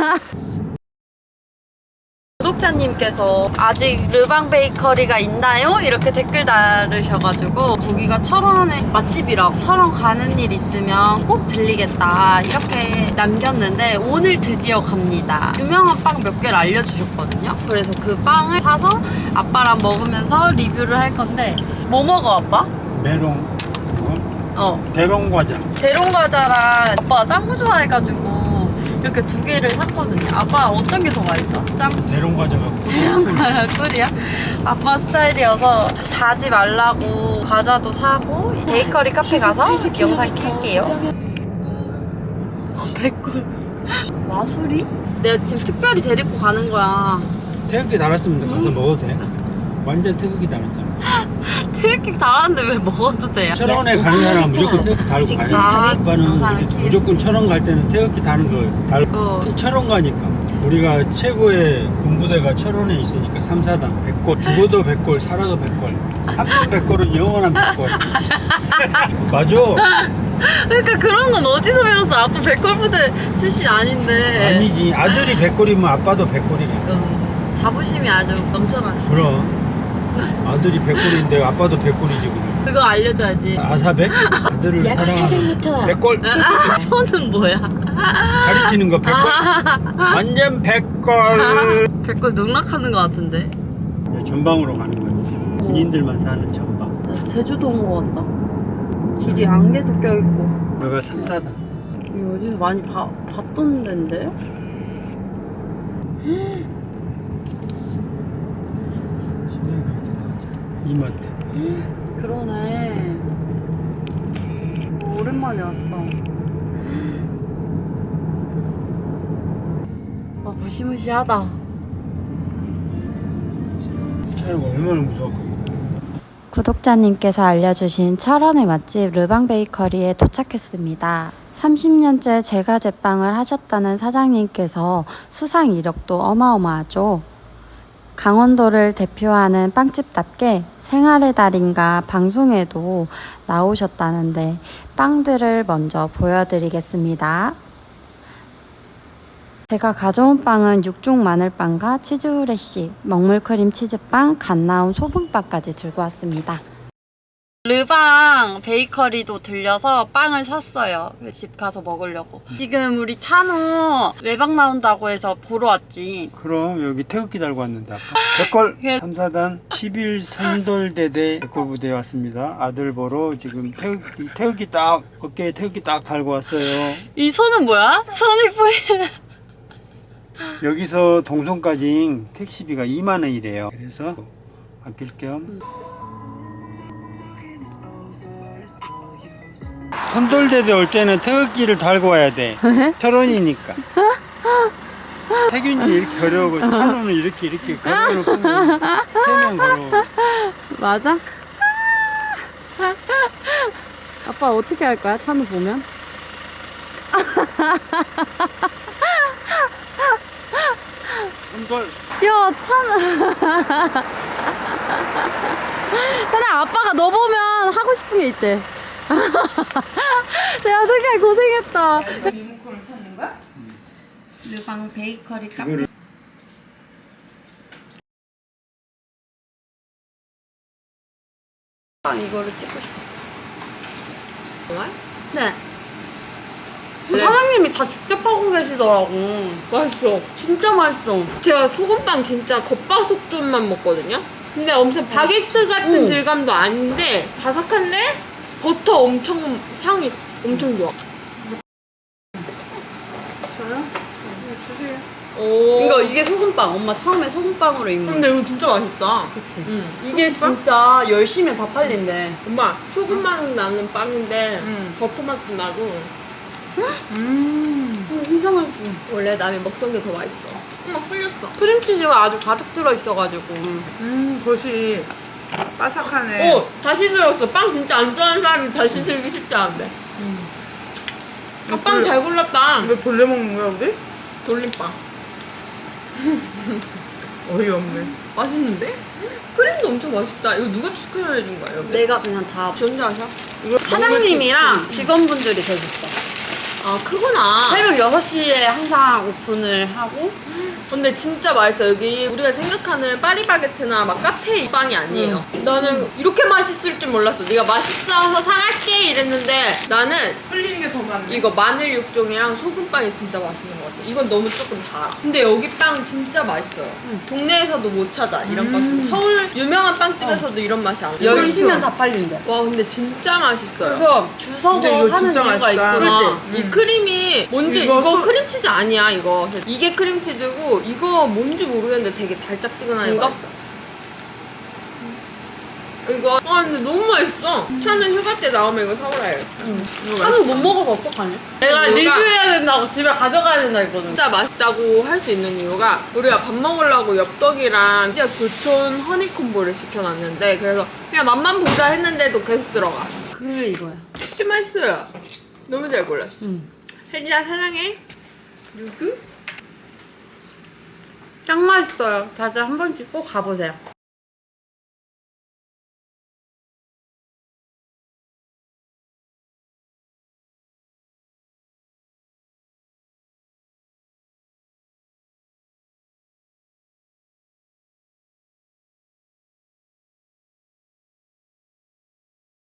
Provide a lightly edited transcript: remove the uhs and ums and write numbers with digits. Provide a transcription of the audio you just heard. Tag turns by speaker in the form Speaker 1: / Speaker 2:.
Speaker 1: 구독자님께서 아직 르방 베이커리가 있나요? 이렇게 댓글 달으셔가지고 거기가 철원의 맛집이라고, 철원 가는 일 있으면 꼭 들리겠다 이렇게 남겼는데 오늘 드디어 갑니다. 유명한 빵 몇 개를 알려주셨거든요. 그래서 그 빵을 사서 아빠랑 먹으면서 리뷰를 할 건데, 뭐 먹어 아빠?
Speaker 2: 메롱, 대롱과자.
Speaker 1: 대롱과자랑 아빠가 짱구 좋아해가지고 이렇게 두 개를 샀거든요. 아빠 어떤 게 더 맛있어? 짱구?
Speaker 2: 대롱과자가
Speaker 1: 대롱과자 꿀이야? 아빠 스타일이어서 자지 말라고 과자도 사고 베이커리 카페 가서 영상 켤게요. 백골 마술이? 내가 지금 특별히 데리고 가는 거야.
Speaker 2: 태극기 달았으면 가서 먹어도 돼. 완전 태극기 달았잖아.
Speaker 1: 태극기 달았는데 왜 먹어도 돼요?
Speaker 2: 철원에 가는 사람은 무조건 태극기 달고 가야 돼. 아빠는 무조건 철원 갈 때는 태극기 다는 거 달고. 철원 가니까. 우리가 최고의 군부대가 철원에 있으니까 3, 4단 100골. 죽어도 100골, 살아도 100골. 한 번 100골은 영원한 100골. 맞아.
Speaker 1: 그러니까 그런 건 어디서 배웠어? 아빠 백골 부대 출신 아닌데.
Speaker 2: 아니지. 아들이 100골이면 아빠도 100골이야.
Speaker 1: 자부심이 아주 넘쳐나시네.
Speaker 2: 그럼. 아들이 100골인데 아빠도 100골이지 그럼.
Speaker 1: 그거 알려줘야지.
Speaker 2: 아사백? 아들을
Speaker 3: 약
Speaker 2: 사랑하는
Speaker 3: 400m
Speaker 2: 100골.
Speaker 1: 손은 뭐야?
Speaker 2: 가리키는 거 100골. 완전 100골.
Speaker 1: 백골 농락하는 거 같은데.
Speaker 2: 전방으로 가는 거야. 군인들만 사는 전방.
Speaker 1: 제주도 온 거 같다. 길이 안개도 껴있고.
Speaker 2: 여기가 3, 4단.
Speaker 1: 이거 어디서 많이 봤던 데인데?
Speaker 2: 이마트.
Speaker 1: 그러네. 오랜만에 왔다. 아, 무시무시하다.
Speaker 2: 차이가 얼마나 무서웠거든.
Speaker 4: 구독자님께서 알려주신 철원의 맛집 르방 베이커리에 도착했습니다. 30년째 제과 제빵을 하셨다는 사장님께서 수상 이력도 어마어마하죠. 강원도를 대표하는 빵집답게 생활의 달인가 방송에도 나오셨다는데 빵들을 먼저 보여드리겠습니다. 제가 가져온 빵은 육종 마늘빵과 치즈 후레쉬, 먹물크림 치즈빵, 갓 나온 소금빵까지 들고 왔습니다.
Speaker 1: 르방 베이커리도 들려서 빵을 샀어요. 집 가서 먹으려고. 지금 우리 찬우 외박 나온다고 해서 보러 왔지.
Speaker 2: 그럼 여기 태극기 달고 왔는데 아빠. 100골 3, 4단 11 선돌대대 백골 부대에 왔습니다. 아들 보러 지금 태극기 딱 어깨에 태극기 딱 달고 왔어요.
Speaker 1: 이 손은 뭐야? 손이 보이는.
Speaker 2: 여기서 동성까지 택시비가 2만 원이래요. 그래서 아낄 겸 선돌대대 올 때는 태극기를 달고 와야 돼. 철원이니까. 태균이 이렇게 걸어오고 찬우는 이렇게 걸어오고 3명 걸어오고.
Speaker 1: 맞아? 아빠 어떻게 할 거야? 찬우 보면?
Speaker 2: 선돌.
Speaker 1: 야, 찬우. 찬아, 아빠가 너 보면 하고 싶은 게 있대. 내가 되게 고생했다. 리모컨을 찾는 거야? 르방 베이커리 카페. 이거를 찍고 싶었어. 정말? 네. 사장님이 다 직접 하고 계시더라고.
Speaker 5: 맛있어.
Speaker 1: 진짜 맛있어.
Speaker 5: 제가 소금빵 진짜 겉바속촉만 먹거든요. 근데 엄청 바게트 같은 질감도 아닌데 바삭한데 버터 엄청 향이 엄청 좋아.
Speaker 1: 저요? 주세요.
Speaker 5: 오.
Speaker 1: 이게 소금빵. 엄마 처음에 소금빵으로 입는.
Speaker 5: 근데 이거 진짜 맛있다.
Speaker 1: 그치?
Speaker 5: 응.
Speaker 1: 이게 진짜 열심히 다 팔린대.
Speaker 5: 엄마 소금맛 나는 빵인데 버터 맛도 나고.
Speaker 1: 진짜 맛있어.
Speaker 5: 원래 남이 먹던 게 더 맛있어. 엄마 흘렸어.
Speaker 1: 크림치즈가 아주 가득 들어있어가지고.
Speaker 6: 겉이 바삭하네.
Speaker 5: 오 다시 들었어. 빵 진짜 안 좋아하는 사람이 다시 들기 쉽지 않은데. 빵 잘 골랐다.
Speaker 6: 왜 벌레 먹는 거야 우리?
Speaker 5: 돌림빵.
Speaker 6: 어이없네.
Speaker 5: 맛있는데? 크림도 엄청 맛있다. 이거 누가 추천해준 거야? 여기?
Speaker 1: 내가 그냥 다
Speaker 5: 지 혼자 하셔?
Speaker 1: 사장님이랑 직원분들이 대줬어.
Speaker 5: 아 크구나.
Speaker 1: 새벽 6시에 항상 오픈을 하고
Speaker 5: 근데 진짜 맛있어. 여기 우리가 생각하는 파리바게트나 막 카페 빵이 아니에요. 나는 이렇게 맛있을 줄 몰랐어. 네가 맛있어서 사갈게 이랬는데 나는
Speaker 6: 흘리는 게 더 많네.
Speaker 5: 이거 마늘 육종이랑 소금빵이 진짜 맛있는 것 같아. 이건 너무 조금 달아. 근데 여기 빵 진짜 맛있어요. 동네에서도 못 찾아 이런 빵. 서울 유명한 빵집에서도 이런 맛이 안 나.
Speaker 1: 10시면 다 팔린대.
Speaker 5: 와 근데 진짜 맛있어요.
Speaker 1: 그래서 줄 서서
Speaker 6: 근데 이거
Speaker 1: 하는
Speaker 6: 진짜
Speaker 1: 이유가
Speaker 6: 맛있다.
Speaker 1: 있구나.
Speaker 5: 그치? 이 크림이 뭔지
Speaker 6: 이거
Speaker 5: 이거
Speaker 6: 소-
Speaker 5: 크림치즈 아니야 이거. 이게 크림치즈고 이거 뭔지 모르겠는데 되게 달짝지근하게
Speaker 1: 이거?
Speaker 5: 맛있어. 이거 근데 너무 맛있어. 차는 휴가 때 나오면 이거 사오라야겠다. 이거
Speaker 1: 한우 못 먹어서 어떡하냐? 내가
Speaker 5: 이유가-
Speaker 1: 리뷰해야 된다고 집에 가져가야 된다 했거든.
Speaker 5: 진짜 맛있다고 할 수 있는 이유가 우리가 밥 먹으려고 엽떡이랑 진짜 교촌 허니콤보를 시켜놨는데 그래서 그냥 맛만 보자 했는데도 계속 들어가.
Speaker 1: 그게 이거야.
Speaker 5: 진짜 맛있어요. 너무 잘 골랐어. 혜진아 사랑해.
Speaker 1: 짱 맛있어요. 자주 한 번씩 꼭 가보세요.